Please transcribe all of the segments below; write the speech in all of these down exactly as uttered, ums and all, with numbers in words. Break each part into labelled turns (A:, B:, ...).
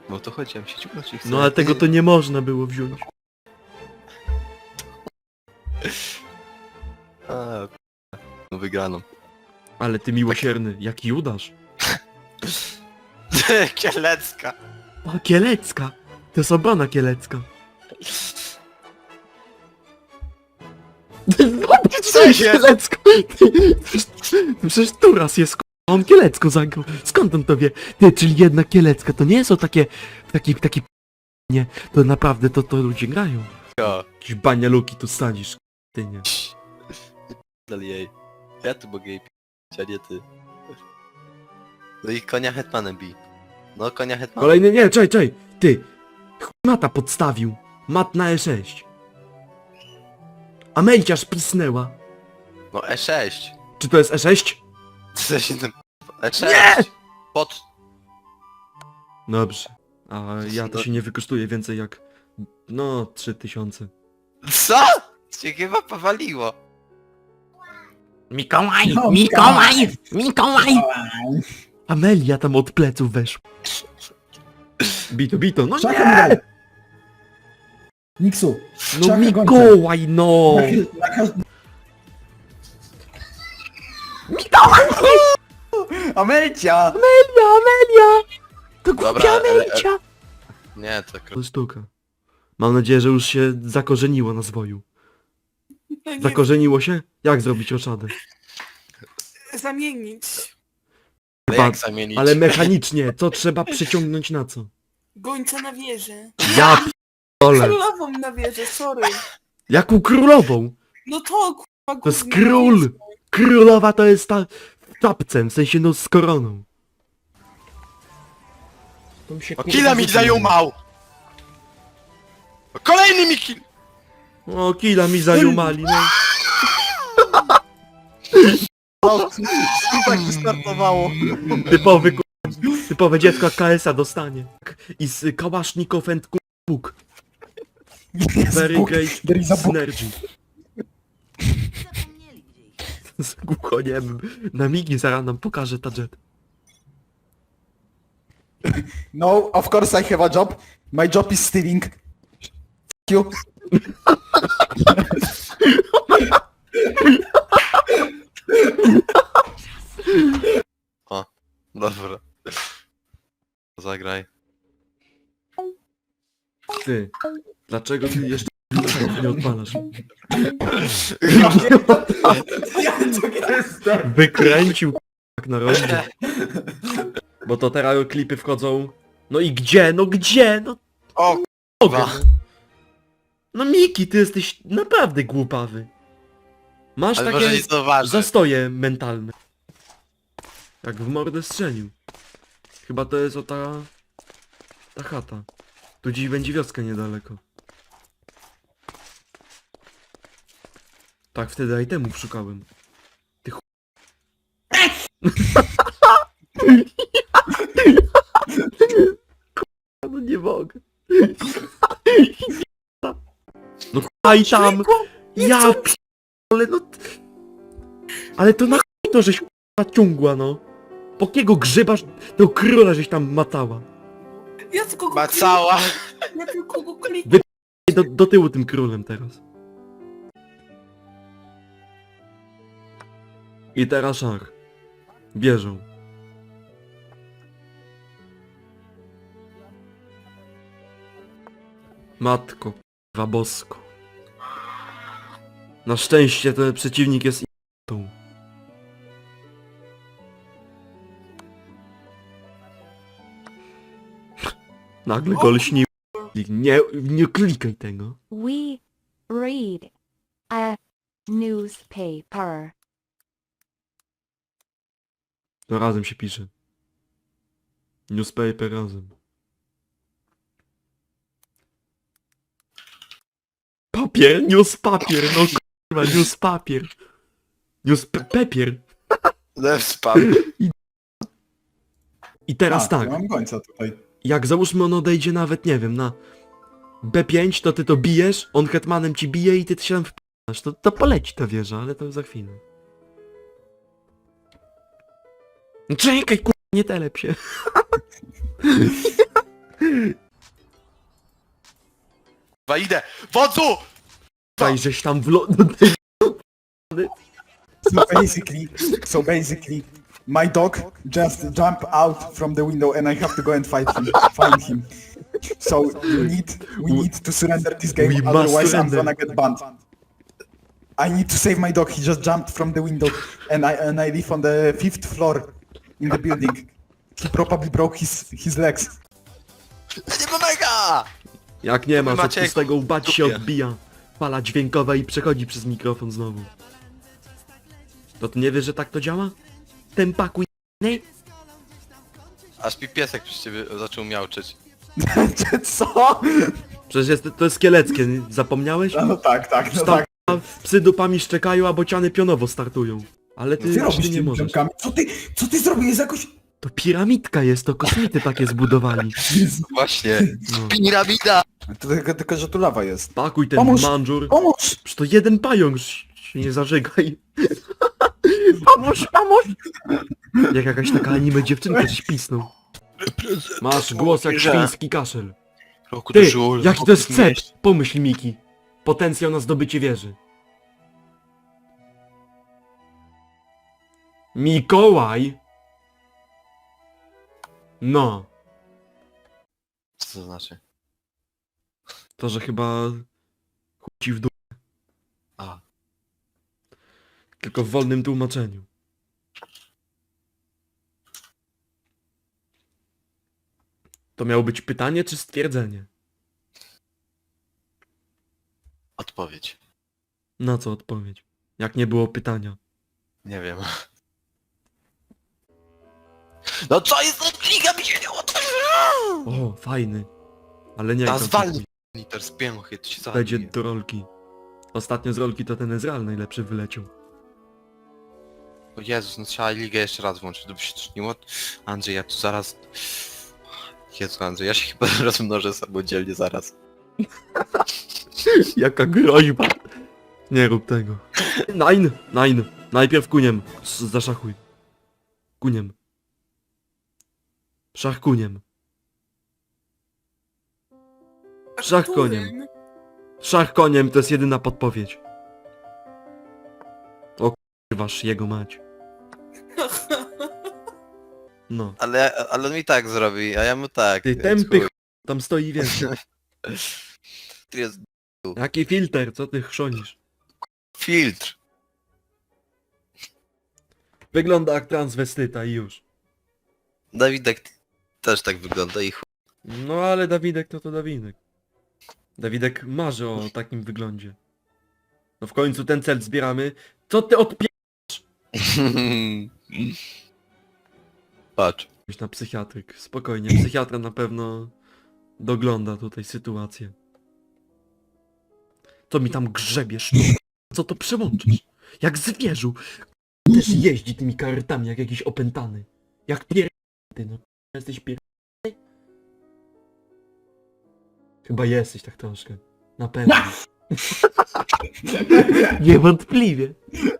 A: No to chodź, ja się ciągnąć i chcę.
B: No ale tego to nie można było wziąć.
A: A, no wygraną.
B: Ale ty miłosierny, jak Judasz.
A: Kielecka.
B: O, Kielecka! To jest obrona kielecka.
A: Co jest?
B: Kielecko! Przecież Turas jest k***a, on Kielecko zagrał. Skąd on to wie? Ty, czyli jedna Kielecka, to nie są takie... Taki, taki... Nie, to naprawdę to, to ludzie grają.
A: Ja.
B: Jakieś banialuki tu sadzisz, ty nie.
A: Dal jej. Ja tu mogę jej p***ć, a nie ty. No i konia hetmanem bij. No konia hetmanem.
B: Kolejny, nie, czej, czej! Ty! Chuj Mata podstawił. Mat na E sześć. Amelciarz pisnęła.
A: No E sześć.
B: Czy to jest E sześć?
A: Co się tym... E sześć.
B: Nie!
A: Pod...
B: Dobrze. A ja to się nie wykosztuje więcej jak... No, trzy tysiące.
A: Co? Cię chyba powaliło.
B: Mikołaj!
C: No,
B: Mikołaj! Mikołaj! Amelia tam od pleców weszła. Bito, bito, no
C: Czaka
B: nie!
C: mi Niksu.
B: No
C: czaka
B: Mikołaj, no!
C: Na, na każ...
B: Mikołaj!
C: Amelcia!
B: Amelia, Amelia! To
A: Dobra,
B: głupia
A: ale-
B: Amelcia!
A: Nie, to kro...
B: To sztuka. Mam nadzieję, że już się zakorzeniło na zwoju.
D: No nie,
B: Zakorzeniło się? Jak zrobić oszadę?
D: zamienić.
A: No
B: Chyba-
A: jak zamienić?
B: Ale mechanicznie, co trzeba przyciągnąć na co?
D: Gońca na wieżę.
B: Ja p***ole.
D: Królową na wieżę, sorry.
B: Jaką królową?
D: No to kurwa
B: To jest
D: gówno na
B: król!
D: wieżę.
B: Królowa to jest ta... w czapce, w sensie no z koroną. To mi się,
A: O,
B: kurwa,
A: killa mi
B: rzuci.
A: zajumał! O, kolejny mi kill!
B: O, killa mi zajumali, no.
A: O, tak wystartowało.
B: Typowy ku... Typowe dziecko K S a dostanie. I z Kałasznikow and Bóg. Very
C: Bóg.
B: great
C: There is a book.
B: synergy. Z głuchoniemym. Na migi zaraz nam pokaże ta jet.
C: No, of course I have a job. My job is stealing. F you.
A: Dobra. Zagraj.
B: Ty, dlaczego ty jeszcze nie odpalasz? Wykręcił jak na rondzie. Bo to teraz klipy wchodzą. No i gdzie? No gdzie? No
A: O,
B: mogę.
A: kurwa.
B: No Miki, ty jesteś naprawdę głupawy. Masz
A: Ale może
B: takie
A: nie zauważy.
B: zastoje mentalne. Jak w mordę strzelił. Chyba to jest o ta... ta chata. Tu dziś będzie wioska niedaleko. Tak, wtedy itemów szukałem. Ty ch... Kurwa, no nie mogę. No aj tam! Ja p... ale no... Ale to na chuj to żeś k***a ciągła, no. Po jakiego grzybasz tego króla żeś tam matała?
D: Ja tylko go
A: Macała.
D: kliknę, ja tylko go kliknę.
B: Do, do tyłu tym królem teraz. I teraz szach. Bierzą. Matko, k***wa bosko. Na szczęście ten przeciwnik jest i***tą. Nagle go lśni. Nie, nie klikaj tego.
E: We read a newspaper.
B: To razem się pisze. Newspaper razem. Papier, news papier, no kurwa, news papier. News pe papier.
A: Lew spam.
B: I teraz
C: A,
B: tak,
C: ja mam gońca tutaj.
B: jak załóżmy on odejdzie nawet, nie wiem, na B pięć, to ty to bijesz, on hetmanem ci bije i ty się tam wpinasz. To, to poleci ta wieża, ale to za chwilę. No czekaj, kurwa, nie telep się.
A: Chyba idę! Wodzu!
B: Tutaj żeś tam w lo...
C: So basically, so basically, my dog just jump out from the window and I have to go and fight him, find him. So we need, we need to surrender this game,
B: We must
C: otherwise I'm
B: surrender.
C: gonna get banned. I need to save my dog. He just jumped from the window, and I and I live on the fifth floor in the building. He probably broke his his legs.
A: Nie pomaga!
B: Jak nie ma,
A: Wy
B: to
A: macie
B: z tego łbać się
A: dupie.
B: odbija. Fala dźwiękowa i przechodzi przez mikrofon znowu. To ty nie wiesz, że tak to działa? Tempaku j***nej?
A: Aż mi piesek przy ciebie zaczął miauczyć.
C: Co?
B: Przecież jest, to jest kieleckie, nie? Zapomniałeś?
C: No tak, tak, no
B: Tam
C: tak.
B: psy dupami szczekają, a bociany pionowo startują. Ale ty,
C: Ty
B: ty
C: robisz
B: nie
C: tymi
B: możesz.
C: ziomkami. Co ty, co ty zrobiłeś jakoś...
B: To piramidka jest, to kosmity takie zbudowali.
A: Właśnie.
B: No.
A: Piramida!
C: To tylko, tylko, że tu lawa jest.
B: Pakuj ten
C: Pomóż!
B: mandżur.
C: Pomóż!
B: Przecież to jeden pająk, się nie zażygaj. Pomóż, pomóż! Jak jakaś taka anime dziewczynka coś pisnął. Masz głos jak świński kaszel.
A: Roku
B: Ty,
A: do żul,
B: jaki to jest cep? Pomyśl Miki. Potencjał na zdobycie wieży. Mikołaj? No.
A: Co to znaczy?
B: To, że chyba... chuj ci w dół.
A: A.
B: Tylko w wolnym tłumaczeniu. To miało być pytanie czy stwierdzenie?
A: Odpowiedź.
B: Na co odpowiedź? Jak nie było pytania?
A: Nie wiem. No co jest? Liga mi się nie otworzyła!
B: O, fajny. Ale nie
A: Ta
B: jak tam
A: zwalnij
B: kupuj.
A: liter z pięchy, to się
B: Będzie
A: zabije.
B: do rolki. Ostatnio z rolki to ten Ezreal najlepszy wyleciał.
A: O Jezus, no trzeba ligę jeszcze raz włączyć, to by się trzniło. Andrzej, ja tu zaraz... Jezu Andrzej, ja się chyba rozmnożę samodzielnie zaraz.
B: Jaka groźba. Nie rób tego. Nine, nine. Najpierw kuniem. Z- Zaszachuj. Kuniem. Szach kuniem. Szach koniem. Szach koniem to jest jedyna podpowiedź. O wasz jego mać. No.
A: Ale, ale on mi tak zrobi, a ja mu tak.
B: Ty
A: więc
B: tępy
A: chuj.
B: ch... tam stoi więcej.
A: Tu jest
B: Jaki filtr, co ty chrzonisz?
A: filtr.
B: Wygląda jak transwestyta i już.
A: Dawidek też tak wygląda i chuj.
B: No ale Dawidek to to Dawidek. Dawidek marzy o takim wyglądzie. No w końcu ten cel zbieramy. Co ty odpie...
A: Patrz.
B: na psychiatryk. Spokojnie, psychiatra na pewno dogląda tutaj sytuację. Co mi tam grzebiesz? Co to przełączysz? Jak zwierzu. Też jeździ tymi kartami jak jakiś opętany. Jak pier... Ty no, jesteś pier... Chyba jesteś tak troszkę. Na pewno. Niewątpliwie.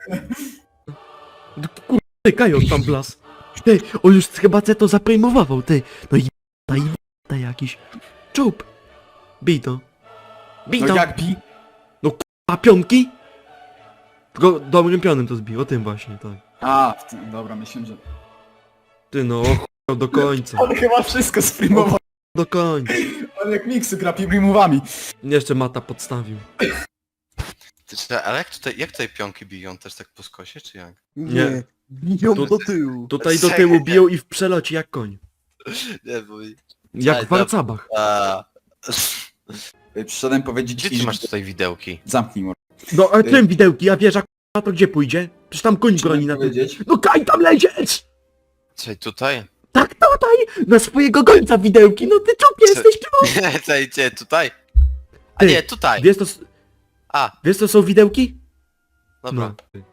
B: Kurde, ty, Kajon tam blas. Ty, on już chyba C to zaprejmował, ty. No i ta i ta jakiś. Czup. Bij to. Bij
C: No
B: to.
C: jak bi?
B: A pionki? Tylko dobrym pionem to zbił, o tym właśnie, tak.
C: A, w tym- dobra, myślę, że...
B: Ty no, o do końca.
C: On chyba wszystko streamował.
B: Do końca.
C: On jak miksy gra primowami.
B: Jeszcze Mata podstawił.
A: Ty, czy- ale jak tutaj, jak tutaj pionki biją? Też tak po skosie, czy jak?
B: Nie.
C: Biją
B: Tu-
C: do tyłu.
B: Tutaj do tyłu biją i w przelocie jak koń.
A: Nie, bo...
B: Jak
A: Aj,
B: w warcabach.
A: A...
C: Przyszedłem powiedzieć
A: Gdzie
C: ci,
A: ty masz
C: że-
A: tutaj widełki?
C: Zamknij mordę.
B: No a czym widełki, a wieża k***a to gdzie pójdzie? Przecież tam koń broni na tym.
C: powiedzieć?
B: No Kaj tam lecieć!
A: Czekaj, tutaj?
B: Tak tutaj! Na swojego gońca widełki, no ty czub jesteś czub!
A: Nie, czekaj, gdzie, tutaj? A
B: Ty,
A: nie, tutaj!
B: Wiesz to, s-
A: A,
B: wiesz to są widełki?
A: dobra.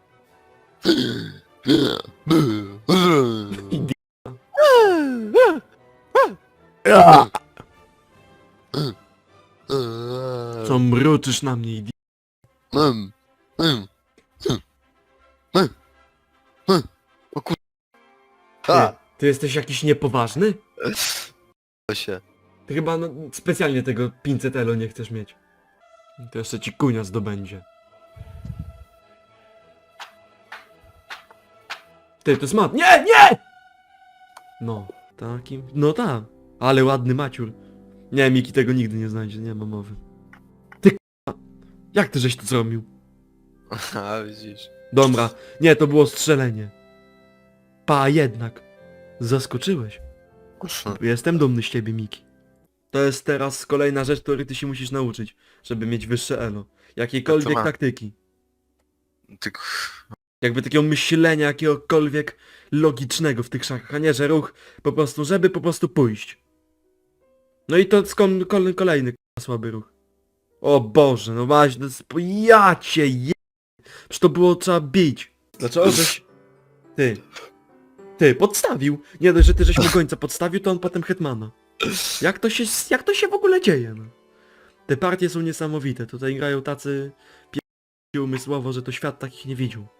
B: Co mruczysz na mnie, idi...
A: Mm, mm, mm, mm, mm. O kur...
B: Ty,
A: A,
B: ty jesteś jakiś niepoważny?
A: to się.
B: Ty chyba no, specjalnie tego pięćset elo nie chcesz mieć. To jeszcze ci kunia zdobędzie. Ty, to jest mat. Nie, nie! No, takim... No tak. Ale ładny maciur. Nie, Miki tego nigdy nie znajdzie, nie ma mowy. Ty k***a. Jak ty żeś to zrobił?
A: A widzisz.
B: Dobra. Nie, to było strzelenie. Pa, jednak. Zaskoczyłeś. Jestem dumny z ciebie, Miki. To jest teraz kolejna rzecz, której ty się musisz nauczyć, żeby mieć wyższe elo. Jakiejkolwiek
A: ma?
B: taktyki.
A: Ty...
B: Jakby takiego myślenia jakiegokolwiek logicznego w tych szachach, a nie, że ruch po prostu, żeby po prostu pójść. No i to skon, kol, kolejny k***a, słaby ruch. O Boże, no maś, no sp- ja cię je... Przecież to było trzeba bić. Dlaczego żeś... Ty. Ty, podstawił. Nie dość, że ty żeś mu gońca podstawił, to on potem hetmana. Jak to się, jak to się w ogóle dzieje, no? Te partie są niesamowite, tutaj grają tacy... P... umysłowo, że to świat takich nie widział.